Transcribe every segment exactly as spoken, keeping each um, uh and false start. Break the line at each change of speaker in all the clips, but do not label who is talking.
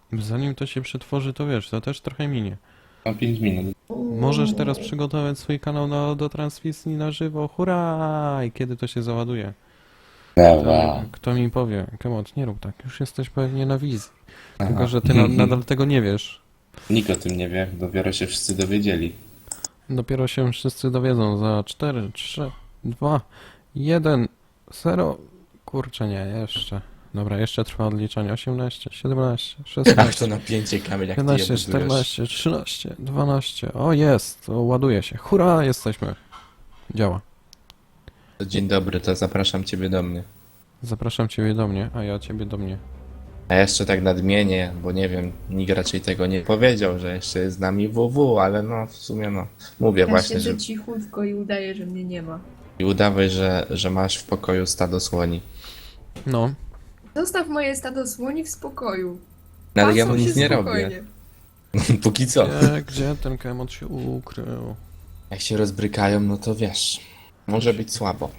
Zanim to się przetworzy, to wiesz, to też trochę minie.
Mam pięć minut.
Możesz teraz przygotować swój kanał na, do transmisji na żywo. Hurra! I kiedy to się załaduje? To,
Dawa.
kto mi powie? Kemot, nie rób tak. Już jesteś pewnie na wizji.
Aha.
Tylko, że ty na, nadal tego nie wiesz.
Nikt o tym nie wie, dopiero się wszyscy dowiedzieli.
Dopiero się wszyscy dowiedzą za cztery, trzy, dwa, jeden, zero. Kurczę, nie, jeszcze. Dobra, jeszcze trwa odliczanie. osiemnaście, siedemnaście,
Ach,
szesnaście,
to napięcie, Kamil, jak ty je
piętnaście,
budujesz.
czternaście, trzynaście, dwanaście. O, jest! O, ładuje się. Hurra, jesteśmy. Działa.
Dzień dobry, to zapraszam ciebie do mnie.
Zapraszam ciebie do mnie, a ja ciebie do mnie.
A jeszcze tak nadmienię, bo nie wiem, nikt raczej tego nie powiedział, że jeszcze jest z nami W W, ale no w sumie no, mówię
Ja
właśnie, że
siedzę cichutko i udaję, że mnie nie ma.
i udawaj, że, że masz w pokoju stado słoni.
No,
Zostaw moje stado słoni w spokoju.
No, ale ja
Pasą
mu
się
nic nie
spokojnie.
robię. Póki co.
gdzie, gdzie ten kemot się ukrył?
Jak się rozbrykają, no to wiesz, może być słabo.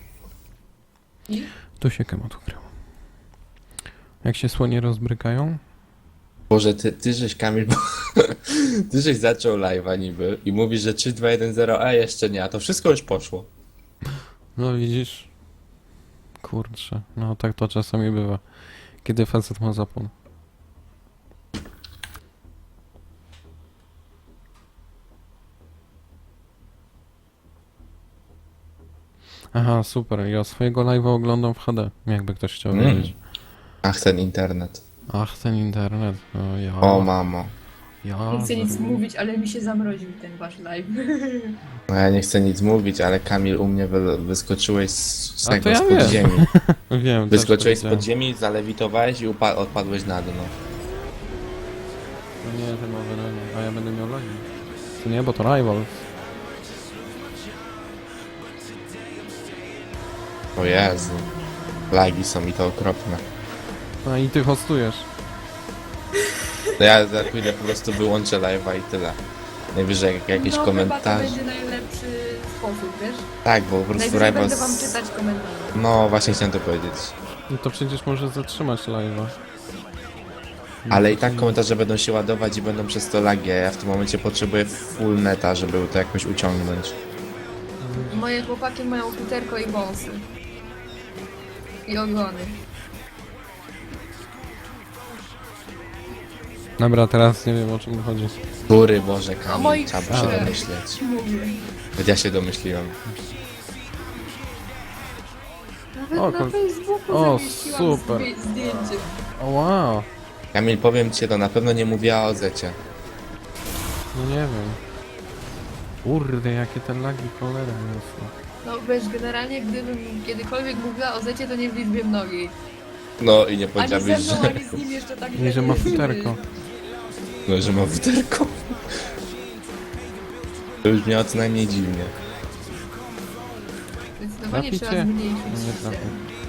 Tu się kemot ukrył. Jak się słonie rozbrykają?
Boże, ty, ty żeś Kamil, bo ty żeś zaczął live'a niby i mówisz, że trzy, dwa, jeden, zero, a jeszcze nie, a to wszystko już poszło.
No widzisz? Kurczę, no tak to czasami bywa. Kiedy facet ma zapłon. Aha, super. Ja swojego live'a oglądam w H D, jakby ktoś chciał
Mm.
wiedzieć.
Ach, ten internet.
Ach, ten internet. No ja.
O mamo.
ja.
Nie chcę nic
za-
mówić, ale mi się zamroził ten wasz live.
No ja nie chcę nic mówić, ale Kamil, u mnie wy, wyskoczyłeś z, z
A to
tego,
ja
z
wiem.
podziemi.
Wiem, też
Wyskoczyłeś z
powiedziałem.
podziemi, zalewitowałeś i upa- odpadłeś na dno.
No nie, ten nowy, no nie. A ja będę miał lagi. To nie, bo to Rivals.
O Jezu. Lagi są i to okropne.
A i ty hostujesz.
No ja za chwilę po prostu wyłączę live'a i tyle. Najwyżej jak jakiś
no,
komentarz.
chyba to będzie najlepszy sposób, wiesz?
Tak, bo po prostu
Najwyżej będę
live'a...
wam
z-
czytać komentarze.
No właśnie chciałem to powiedzieć.
No to przecież może zatrzymać live'a.
Ale i tak komentarze będą się ładować i będą przez to lagi, a ja w tym momencie potrzebuję full neta, żeby to jakoś uciągnąć.
Moje chłopaki mają futerko i wąsy. I ogony.
Dobra, teraz nie wiem o czym chodzi.
Góry Boże,
O
Kamil,
moich
trzeba by się
krzew.
domyśleć.
Mówię.
Nawet ja się domyśliłem.
Nawet
O,
na
kol-
Facebooku
o,
zamieściłam
super.
zdję- zdjęcie.
O wow.
Kamil, powiem ci, to na pewno nie mówiła o Zecie.
No nie wiem. Kurde, jakie te lagi cholera jest.
No wiesz, generalnie gdybym kiedykolwiek mówiła o Zecie, to nie w liczbie mnogiej.
No i nie
Ani
powiedziałbyś,
ze mną,
że...
ani z nim jeszcze tak
I że ma futerko.
No, że ma futerko. To już miało co najmniej dziwnie.
Zdecydowanie trzeba
Traficie?
zmniejszyć.
No nie trafię.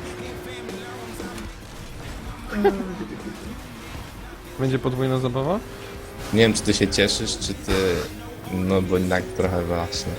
Będzie podwójna zabawa?
Nie wiem, czy ty się cieszysz, czy ty... No, bo jednak trochę właśnie.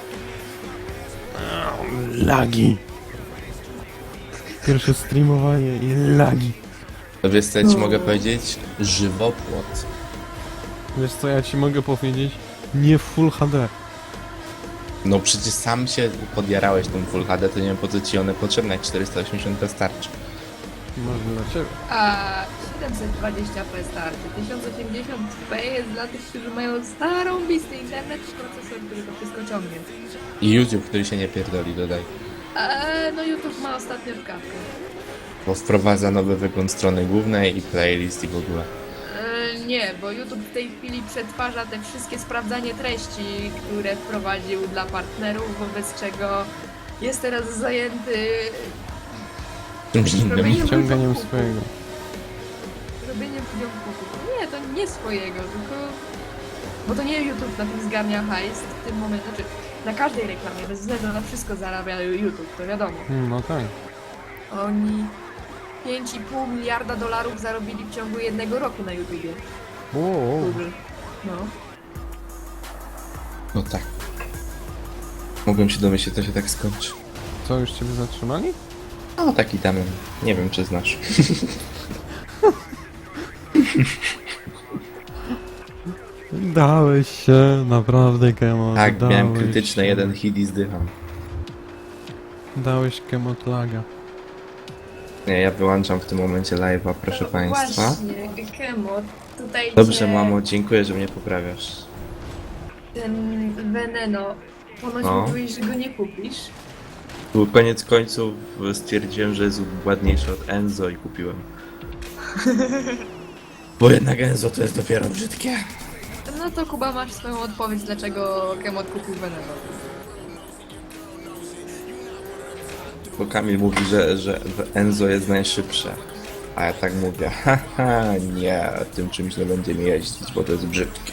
Lagi. Pierwsze streamowanie i lagi.
To wiesz, co ja ci mogę powiedzieć? Żywopłot.
Wiesz co ja ci mogę powiedzieć? Nie Full H D.
No przecież sam się podjarałeś tym Full H D, to nie wiem po co ci one potrzebne, jak czterysta osiemdziesiąt starczy.
Może dla ciebie.
A siedemset dwadzieścia p starczy. tysiąc osiemdziesiąt p jest dla tych, którzy mają starą bisty internet i procesor, który to wszystko ciągnie.
I YouTube, który się nie pierdoli, dodaj.
Eee, no YouTube ma ostatnio wkawkę.
Bo wprowadza nowy wygląd strony głównej i playlist i w ogóle.
Eee, nie, bo YouTube w tej chwili przetwarza te wszystkie sprawdzanie treści, które wprowadził dla partnerów, wobec czego jest teraz zajęty
Czymś innym.
robieniem
Ciąganiem
ludziom
swojego.
kuku. Robieniem ludziom kuku. Nie, to nie swojego, tylko... Bo to nie YouTube na tym zgarnia hajs w tym momencie, znaczy na każdej reklamie, bez względu na wszystko zarabia YouTube, to wiadomo.
Hmm, no tak.
Oni pięć i pół miliarda dolarów zarobili w ciągu jednego roku na YouTubie.
Wow.
Google. No.
No tak. Mogłem się domyślić, to się tak skończy.
Co, już ciebie zatrzymali?
No taki tam, nie wiem czy znasz.
Dałeś się, naprawdę, Kemot.
Tak, miałem
dałeś
krytyczne
się.
jeden hit i zdycham.
Dałeś Kemot laga.
Nie, ja wyłączam w tym momencie live'a, proszę państwa.
Właśnie, Kemo, tutaj
Dobrze,
cię
mamo, dziękuję, że mnie poprawiasz.
ten Veneno, ponoć
No.
mówiłeś, że go nie kupisz.
Tu koniec końców stwierdziłem, że jest ładniejszy od Enzo i kupiłem. Bo jednak Enzo to jest dopiero brzydkie.
No to Kuba, masz swoją odpowiedź, dlaczego Kemot kupił Veneno.
Bo Kamil mówi, że, że Enzo jest najszybsze. A ja tak mówię, haha, nie, tym czymś nie będziemy jeździć, bo to jest brzydkie.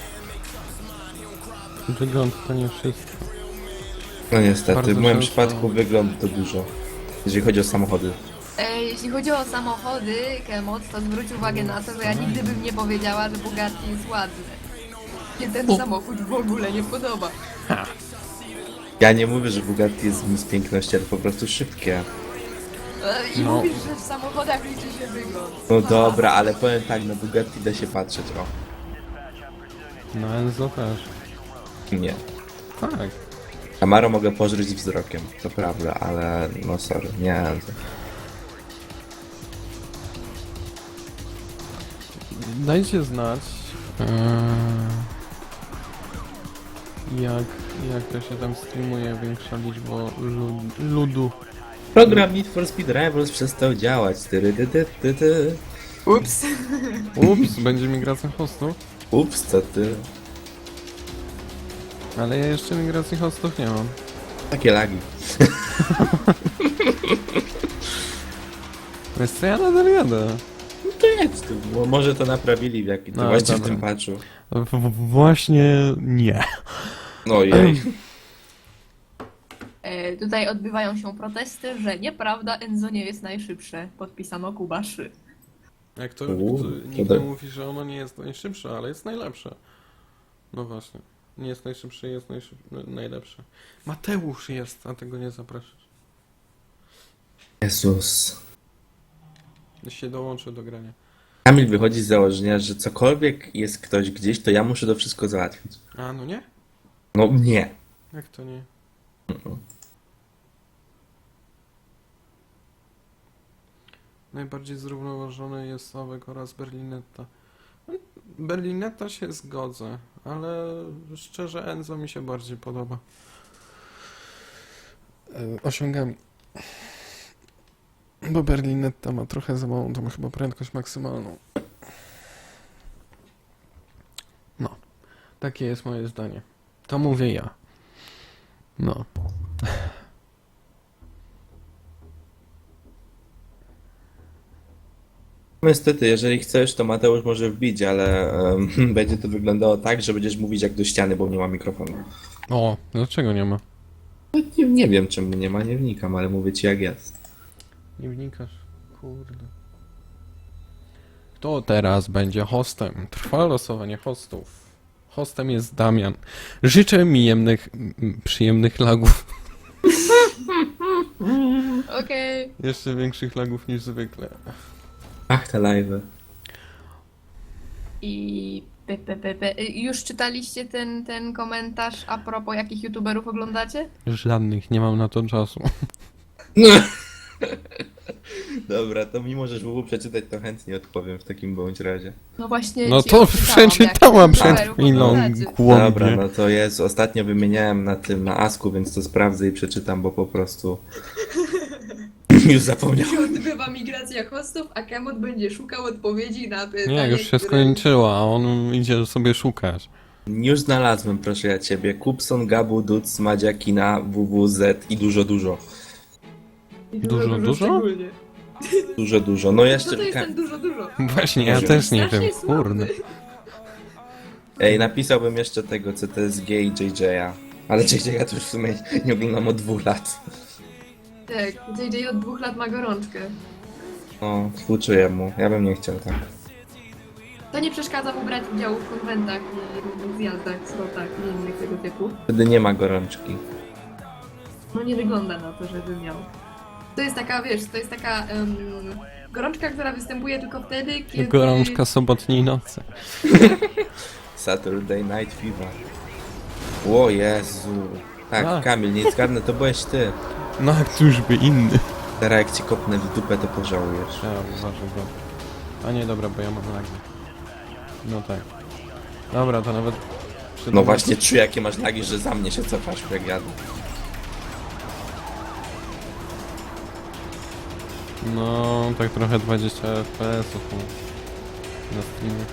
Wygląd to nie wszystko.
No niestety,
Bardzo
w moim
często-
przypadku wygląd to dużo. Jeżeli chodzi o samochody.
E, jeśli chodzi o samochody, Kemot, to zwróć uwagę na to, że ja nigdy bym nie powiedziała, że Bugatti jest ładny. Mnie ten samochód w ogóle nie podoba.
Ja nie mówię, że Bugatti jest z piękności, ale po prostu szybkie.
E, I
No.
mówisz, że w samochodach liczy się wygląd.
No
Aha.
dobra, ale powiem tak, na Bugatti da się patrzeć, o.
No Enzo też.
Nie.
Tak.
Camaro mogę pożreć wzrokiem, to prawda, ale no sorry, nie.
Dajcie znać, eee, jak, jak to się tam streamuje większa liczba lud, ludu.
Program Need for Speed Rivals przestał działać. Tyry, ty, ty, ty, ty.
Ups.
Ups, będzie migracja hostów,
Ups, co ty?
ale ja jeszcze migracji hostów nie mam.
Takie lagi.
Wiesz co, ja nadal jadę.
No to jedź tu, bo może to naprawili w jakim
No,
no, właśnie w
dobra.
tym patchu.
W, w, właśnie nie.
No jej.
E, tutaj odbywają się protesty, że nieprawda, Enzo nie jest najszybsze. Podpisano Kuba trzy.
Jak to,
U,
to
to
nikt
tak.
nie mówi, że ono nie jest najszybsze, ale jest najlepsze. No właśnie. Nie jest najszybsze, jest najszyb... najlepsze. Mateusz jest, a tego nie zapraszasz.
Jezus.
Się dołączy do grania.
Kamil wychodzi z założenia, że cokolwiek jest ktoś gdzieś, to ja muszę to wszystko załatwić.
A, no nie?
No nie.
Jak to nie? Najbardziej zrównoważony jest Sławek oraz Berlinetta. Berlinetta się zgodzę, ale szczerze Enzo mi się bardziej podoba. E, Osiągami. Bo Berlinetta ma trochę za małą, to ma chyba prędkość maksymalną. No, takie jest moje zdanie. To mówię ja. No.
Niestety, jeżeli chcesz, to Mateusz może wbić, ale em, będzie to wyglądało tak, że będziesz mówić jak do ściany, bo nie ma mikrofonu.
O, dlaczego nie ma?
Nie, nie wiem czemu nie ma, nie wnikam, ale mówię ci jak jest.
Nie wnikasz. Kurde. Kto teraz będzie hostem? Trwa losowanie hostów. Hostem jest Damian. Życzę mi jemnych, m, przyjemnych lagów.
Okej.
Jeszcze większych lagów niż zwykle.
Ach, te live'y.
I pe, pe, pe, pe. Y, Już czytaliście ten, ten komentarz a propos jakich youtuberów oglądacie?
Żadnych, nie mam na to czasu.
Dobra, to mimo, że żółwu przeczytać, to chętnie odpowiem w takim bądź razie.
No właśnie.
No
ci
to
odczytałam,
przeczytałam
jakich
przed
youtuberów
chwilą,
oglądacie.
Dobra,
głąbie.
no to jest. Ostatnio wymieniałem na tym, na Asku, więc to sprawdzę i przeczytam, bo po prostu już zapomniałem.
Się odbywa migracja hostów, a Kemot będzie szukał odpowiedzi na pytanie,
Nie, już się
które-
skończyła, a on idzie sobie szukać.
Już znalazłem, proszę ja ciebie. Kupson, Gabu, Duc, Madzia, Kina, W W Z i dużo, dużo.
I
Dużo, dużo?
szczególnie.
Dużo, dużo. No
Co
jeszcze...
to jest
Ka-
ten dużo, dużo?
Właśnie, ja
Może
też nie
Strasznie
wiem,
słaby.
kurde.
Ej, napisałbym jeszcze tego C T S G i J J-a. Ale J J-a to już w sumie nie oglądam od dwóch lat.
Tak, J J od dwóch lat ma gorączkę.
No, współczuję mu. Ja bym nie chciał tak.
To nie przeszkadza mu brać udziału w konwentach i różnych zjazdach, slotach i innych tego typu.
Wtedy nie ma gorączki.
No nie wygląda na to, żeby miał. To jest taka, wiesz, to jest taka em, gorączka, która występuje tylko wtedy, kiedy...
Gorączka sobotniej nocy.
Saturday Night Fever. O Jezu. Tak,
A.
Kamil, nie zgadnę, to byłeś ty.
No a któż by inny?
Teraz jak ci kopnę w dupę, to pożałujesz.
Ja uważam, bo... A nie, dobra, bo ja mam lagi. No tak. Dobra, to nawet... przed-
No właśnie, czuję jakie masz lagi, że za mnie się cofasz, jak jadę.
No, tak trochę dwadzieścia F P S-ów no, na streamie.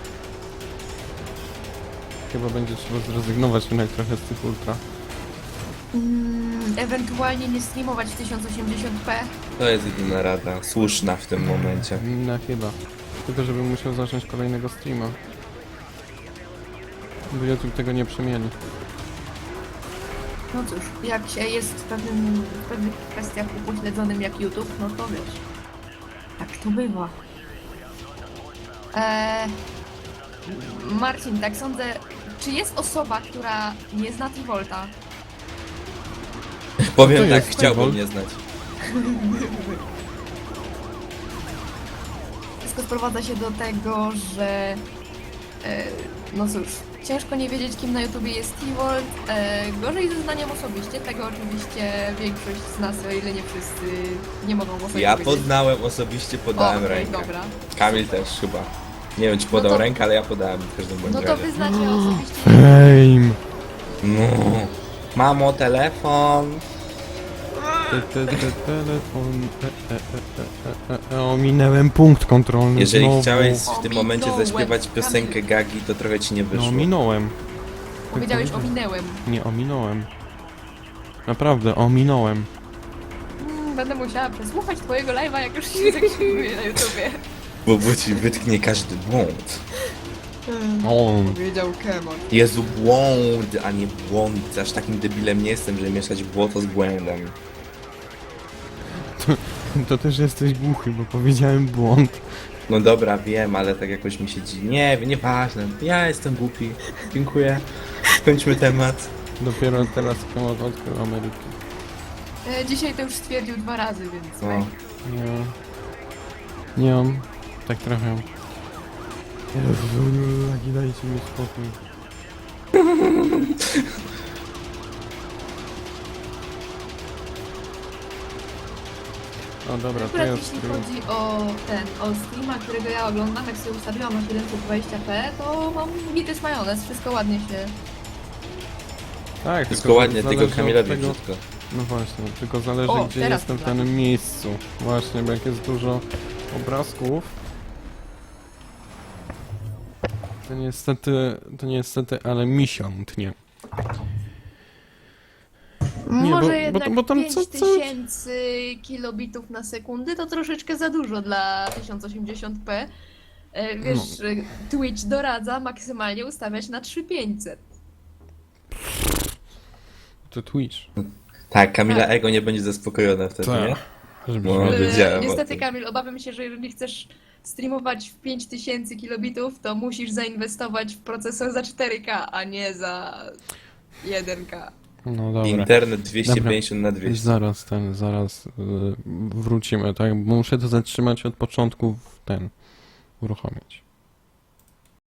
Chyba będzie trzeba zrezygnować jednak trochę z tych ultra.
Mm, ewentualnie nie streamować w tysiąc osiemdziesiąt p.
To jest jedyna rada, słuszna w tym momencie.
No chyba. Tylko żebym musiał zacząć kolejnego streama. Bo YouTube tego nie przemieni.
No cóż, jak się jest w, pewnym, w pewnych kwestiach upośledzonym jak YouTube, no to wiesz. Tak to bywa. Eee, Marcin, tak sądzę, czy jest osoba, która nie zna Trivolta?
Powiem
to
tak,
jest
chciałbym
Trevor?
nie znać.
Wszystko sprowadza się do tego, że e, no cóż, ciężko nie wiedzieć, kim na YouTubie jest Trivolt. E, gorzej ze znaniem osobiście, tego oczywiście większość z nas, o ile nie wszyscy, nie mogą o sobie
Ja
powiedzieć.
poznałem osobiście,
O,
podałem
okej,
rękę.
dobra.
Kamil też chyba. Nie wiem, czy podał
No to-
rękę, ale ja podałem w każdym bądź
No to
razie.
wy znacie osobiście.
Fame!
No. Mamo, telefon.
Te, te, te, telefon... E, e, e, e, e, e, ominęłem punkt kontrolny
Jeżeli
znowu.
chciałeś w tym momencie
Ominąłem.
zaśpiewać piosenkę Gagi, to trochę ci nie
No
wyszło.
ominąłem.
Powiedziałeś, ominęłem.
Nie, ominąłem. Naprawdę, ominąłem.
Mm, będę musiała przesłuchać twojego live'a, jak już się zakrzykuję na YouTubie.
Bo bo ci wytknie każdy błąd.
On.
Powiedział Kemon.
Jezu, błąd, a nie błąd. Aż takim debilem nie jestem, żeby mieszać błoto z błędem.
To też jesteś głuchy, bo powiedziałem błąd.
No dobra, wiem, ale tak jakoś mi się dziwi. Nie, nieważne. Ja jestem głupi. Dziękuję. Skończmy temat.
Dopiero teraz temat odkrył Ameryki.
E, dzisiaj to już stwierdził dwa razy, więc...
No.
Nie. Nie mam. Tak trochę. Jezu, lagi, dajcie mi spokój. O dobra, to
Akurat
jest
jeśli
stream.
chodzi o ten, o streama, którego ja oglądam, jak sobie ustawiłam na siedemset dwadzieścia p, to mam gitys majonez, wszystko ładnie się...
Tak,
Wszystko ładnie,
zależy
tylko
od
Kamilowi
tego-
brzydko.
No właśnie, tylko zależy
O,
gdzie
teraz
jestem w
dla
danym miejscu. Właśnie, bo jak jest dużo obrazków, to niestety, to niestety, ale misiątnie. Nie,
Może
bo- bo
jednak
to- bo tam co- co-
pięć tysięcy kilobitów na sekundę to troszeczkę za dużo dla tysiąc osiemdziesiąt p. E, Wiesz,
No.
e, Twitch doradza maksymalnie ustawiać na trzy tysiące pięćset.
To Twitch.
Tak, Kamila
Tak.
ego nie będzie zaspokojona wtedy, nie?
Żeby
No,
żeby-
wiedziałem o
Niestety,
tym.
Kamil, obawiam się, że jeżeli chcesz streamować w pięć tysięcy kilobitów, to musisz zainwestować w procesor za cztery K, a nie za jeden K.
No dobra.
Internet dwieście pięćdziesiąt na dwieście.
Zaraz ten, zaraz y, wrócimy, tak? Bo muszę to zatrzymać od początku w ten uruchomić.